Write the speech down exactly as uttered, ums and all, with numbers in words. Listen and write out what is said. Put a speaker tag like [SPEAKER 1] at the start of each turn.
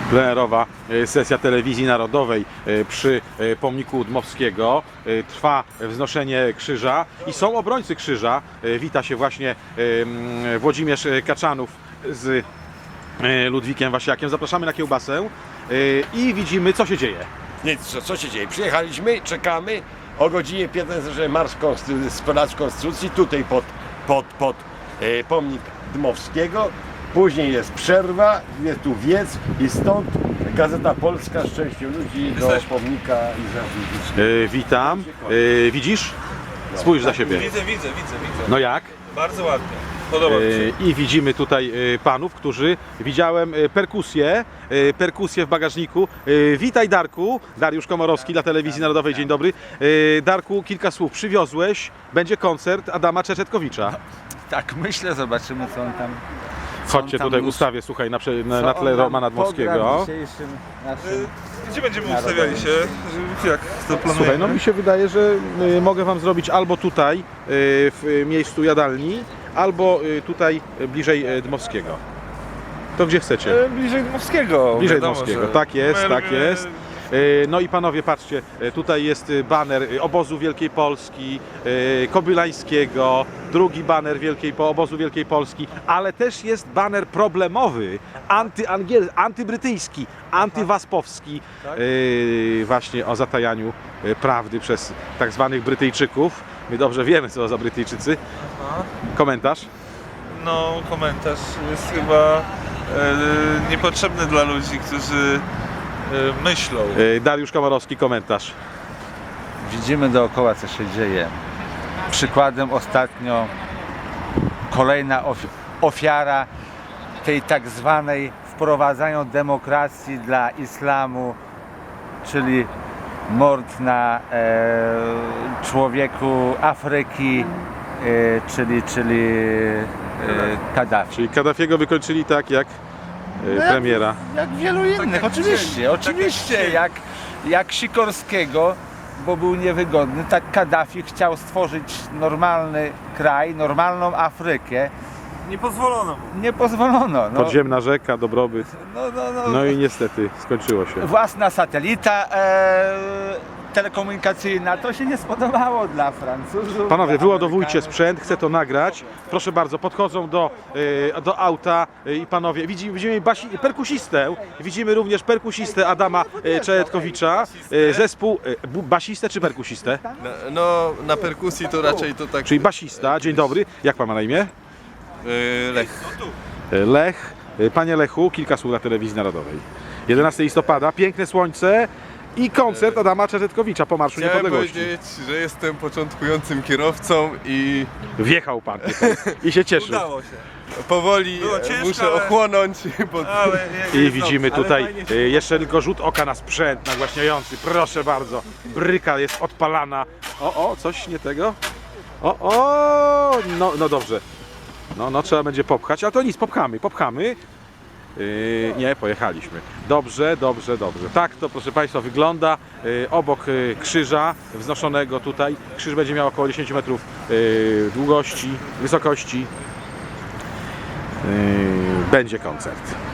[SPEAKER 1] Plenerowa sesja telewizji narodowej przy pomniku Dmowskiego. Trwa wznoszenie krzyża i są obrońcy krzyża. Wita się właśnie Włodzimierz Kaczanów z Ludwikiem Wasiakiem. Zapraszamy na kiełbasę i widzimy, co się dzieje.
[SPEAKER 2] Nic, co, co się dzieje? Przyjechaliśmy, czekamy. O godzinie piętnastej, że marsz konstytucji, z Placu Konstytucji, tutaj pod, pod, pod e, pomnik Dmowskiego. Później jest przerwa, jest tu wiec i stąd Gazeta Polska Szczęście ludzi do pomnika i
[SPEAKER 1] Yy, witam. Yy, widzisz? Spójrz za siebie.
[SPEAKER 3] Widzę, widzę, widzę, widzę.
[SPEAKER 1] No jak?
[SPEAKER 3] Bardzo ładnie. Podoba mi się.
[SPEAKER 1] Yy, I widzimy tutaj yy, panów, którzy widziałem yy, perkusję, yy, perkusję w bagażniku. Yy, witaj Darku, Dariusz Komorowski dla Telewizji Narodowej, dzień dobry. Yy, Darku, kilka słów. Przywiozłeś, będzie koncert Adama Czeczetkowicza.
[SPEAKER 4] Tak, myślę, zobaczymy co on tam... co
[SPEAKER 1] Chodźcie
[SPEAKER 4] on tam
[SPEAKER 1] tutaj
[SPEAKER 4] już-
[SPEAKER 1] ustawię, słuchaj, na, prze- na,
[SPEAKER 4] co
[SPEAKER 1] na
[SPEAKER 4] on
[SPEAKER 1] tle
[SPEAKER 4] nam
[SPEAKER 1] Romana
[SPEAKER 4] pogra
[SPEAKER 1] Dmowskiego.
[SPEAKER 4] w dzisiejszym naszym...
[SPEAKER 3] Gdzie będziemy
[SPEAKER 4] Narodowy.
[SPEAKER 3] ustawiali się? Jak to planujemy?
[SPEAKER 1] Słuchaj, no mi się wydaje, że y, mogę wam zrobić albo tutaj, y, w y, miejscu jadalni, albo y, tutaj y, bliżej y, Dmowskiego. To gdzie chcecie?
[SPEAKER 3] E, Bliżej Dmowskiego.
[SPEAKER 1] Bliżej
[SPEAKER 3] wiadomo,
[SPEAKER 1] Dmowskiego,
[SPEAKER 3] że
[SPEAKER 1] tak jest,
[SPEAKER 3] my
[SPEAKER 1] tak
[SPEAKER 3] lubimy-
[SPEAKER 1] jest. Y, No i panowie, patrzcie, y, tutaj jest y, baner y, obozu Wielkiej Polski, y, Kobylańskiego, drugi baner Wielkiej, Po- obozu Wielkiej Polski, ale też jest baner problemowy, antyangiel, antybrytyjski, antywaspowski, y, właśnie o zatajaniu y, prawdy przez tak zwanych Brytyjczyków. My dobrze wiemy, co za Brytyjczycy.
[SPEAKER 3] Aha.
[SPEAKER 1] Komentarz?
[SPEAKER 3] No, komentarz jest chyba e, niepotrzebny dla ludzi, którzy e, myślą.
[SPEAKER 1] Y, Dariusz Komorowski, komentarz.
[SPEAKER 4] Widzimy dookoła co się dzieje. Przykładem ostatnio kolejna ofi ofiara tej tak zwanej wprowadzania demokracji dla islamu, czyli mord na e, człowieku Afryki, e, czyli, czyli e, Kaddafi.
[SPEAKER 1] Czyli Kaddafiego wykończyli tak jak y, premiera.
[SPEAKER 4] Jak wielu innych,
[SPEAKER 3] jak
[SPEAKER 4] oczywiście,
[SPEAKER 3] chcieli, tak
[SPEAKER 4] oczywiście,
[SPEAKER 3] jak chcieli.
[SPEAKER 4] jak, jak Sikorskiego, bo był niewygodny, tak Kaddafi chciał stworzyć normalny kraj, normalną Afrykę,
[SPEAKER 3] Nie pozwolono mu.
[SPEAKER 4] nie pozwolono. No,
[SPEAKER 1] Podziemna rzeka, dobrobyt.
[SPEAKER 4] no, no, no,
[SPEAKER 1] No i niestety skończyło się.
[SPEAKER 4] własna satelita e, telekomunikacyjna, to się nie spodobało dla Francuzów.
[SPEAKER 1] Panowie,
[SPEAKER 4] dla
[SPEAKER 1] wyładowujcie
[SPEAKER 4] Amerykanów.
[SPEAKER 1] sprzęt, chcę to nagrać. Proszę bardzo, podchodzą do, y, do auta y, i panowie, widzimy, widzimy basi, perkusistę, widzimy również perkusistę Adama y, Czejetkowicza, y, zespół y, bu- basistę czy perkusistę?
[SPEAKER 5] No, no, na perkusji to raczej to tak.
[SPEAKER 1] Czyli basista, dzień dobry. Jak pan ma na imię?
[SPEAKER 5] Yy, Lech.
[SPEAKER 1] Y, Lech. Y, Panie Lechu, kilka słów na Telewizji Narodowej. jedenastego listopada, piękne słońce i koncert Adama Czejetkowicza po Marszu
[SPEAKER 5] Chciałem
[SPEAKER 1] Niepodległości.
[SPEAKER 5] powiedzieć, że jestem początkującym kierowcą i
[SPEAKER 1] Wjechał pan tutaj i się cieszył.
[SPEAKER 3] Udało się.
[SPEAKER 5] powoli
[SPEAKER 3] Było
[SPEAKER 5] e,
[SPEAKER 3] ciężko,
[SPEAKER 5] muszę
[SPEAKER 3] ale-
[SPEAKER 5] ochłonąć. Bo...
[SPEAKER 3] Ale je-
[SPEAKER 1] I
[SPEAKER 3] jest
[SPEAKER 1] widzimy
[SPEAKER 3] dobrze.
[SPEAKER 1] tutaj
[SPEAKER 3] Ale fajnie się-
[SPEAKER 1] y, jeszcze tylko rzut oka na sprzęt nagłaśniający. Proszę bardzo. Bryka jest odpalana. O, o, coś nie tego? O, o, no, no dobrze. No, no trzeba będzie popchać, ale to nic, popchamy, popchamy. Yy, nie, pojechaliśmy. Dobrze, dobrze, dobrze. Tak to, proszę Państwa, wygląda yy, obok yy, krzyża wznoszonego tutaj. Krzyż będzie miał około dziesięć metrów yy, długości, wysokości. Yy, będzie koncert.